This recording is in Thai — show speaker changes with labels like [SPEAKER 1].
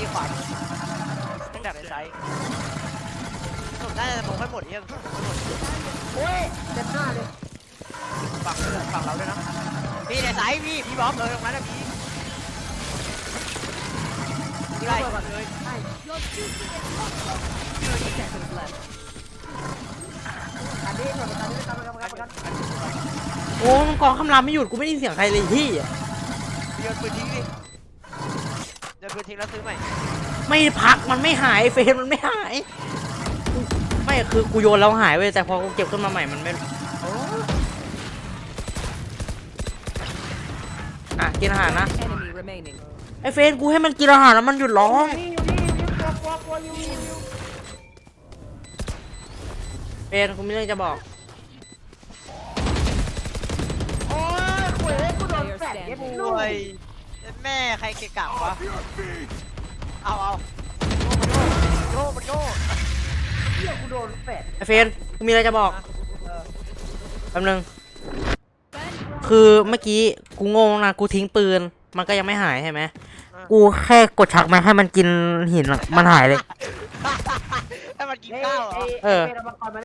[SPEAKER 1] ขวาตั้งแต่ในไซส์ผมน่าจะมองให้หมดเนี่ยโอ้ย
[SPEAKER 2] เจ็บหน้าเลย
[SPEAKER 1] ฝั่งเราด้วยนะพี่ในไซส์พี่บอมเลยตรงนั้นนะพี่ไล่เลย
[SPEAKER 2] อันนี้หมดประกันนี้ประกัน
[SPEAKER 3] โอ้มันกองคำรามไม่หยุดกูไม่ได้ยินเสียงใครเลยที่อ่ะ
[SPEAKER 1] โยนปืนทิ้งดิโยนปืนทิ้งแล้วซื้อใหม่
[SPEAKER 3] ไม่พักมันไม่หายเฟรมมันไม่หายไม่คือกูโยนแล้วหายเว้ยแต่พอกูเก็บขึ้นมาใหม่มันไม่อ่ะกินอาหารนะไอ้เฟรมกูให้มันกินอาหารแล้วมันหยุดร้องเฟรมกูมีเรื่องจะบอก
[SPEAKER 2] โอ้ยคุยกูโดนแฟดเย็บ
[SPEAKER 1] โอ้
[SPEAKER 2] ลูก
[SPEAKER 1] ยแม่ใครเกะกะวะเอาโยมันโย
[SPEAKER 2] เหี้ยกูโดนแฟด
[SPEAKER 3] ไอ้เฟรมกูมีอะไรจะบอกแป๊บนึงคือเมื่อกี้กูงงนะกูทิ้งปืนมันก็ยังไม่หายใช่ไหมกูแค่กดชักมาให้มันกินหินอะมันหายเลย
[SPEAKER 1] ให้มันกินข้าวเหรอ
[SPEAKER 2] เป็นมังกรมา